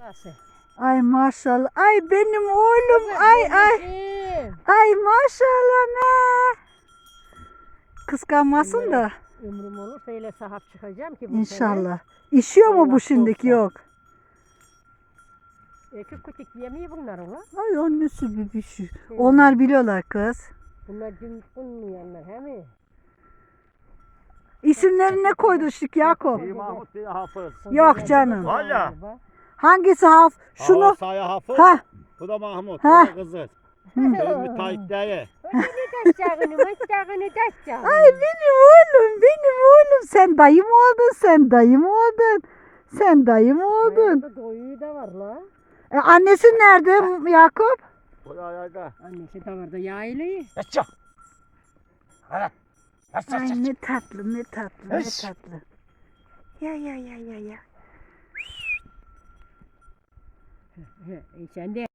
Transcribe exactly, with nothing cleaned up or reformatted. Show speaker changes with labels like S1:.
S1: Nasıl?
S2: Ay maşallah. Ay benim oğlum. Ay ay. Ay maşallah ne. Kıskanmasın da.
S1: Ömrüm olursa öyle sahip çıkacağım ki bu
S2: İnşallah. İşiyor mu
S1: Allah
S2: bu şimdiki?
S1: korksa.
S2: Yok.
S1: sene. Ekip küçük yemiyor bunlar ulan.
S2: Ay annesi bir bir şey. Onlar biliyorlar kız.
S1: Bunlar dün bulmayanlar he mi?
S2: İsimlerini ne koyduk Yakup?
S3: İyi Mahmut diye Hafız.
S2: Yok canım.
S3: Valla.
S2: Hangisi haf? Şunu.
S3: Şunu. Saya Hafız.
S2: Ha.
S3: Bu da Mahmut.
S2: Ha.
S3: Bu da kızı. Benim müteahhit diye.
S1: Taşacağını, maçacağını taşacağını.
S2: Ay benim oğlum, benim oğlum. Sen dayı mı oldun? Sen dayı mı oldun? Sen dayı mı oldun?
S1: Burada doyuyu da var la.
S2: E, annesi nerede Yakup?
S3: Bu da ayağda.
S1: Annesi de var da yayılıyor.
S3: Yaşa. Hadi. Yaşa.
S2: Ay ne tatlı, ne tatlı, ne
S3: Eş.
S2: tatlı. Ya ya ya ya ya.
S1: E sen de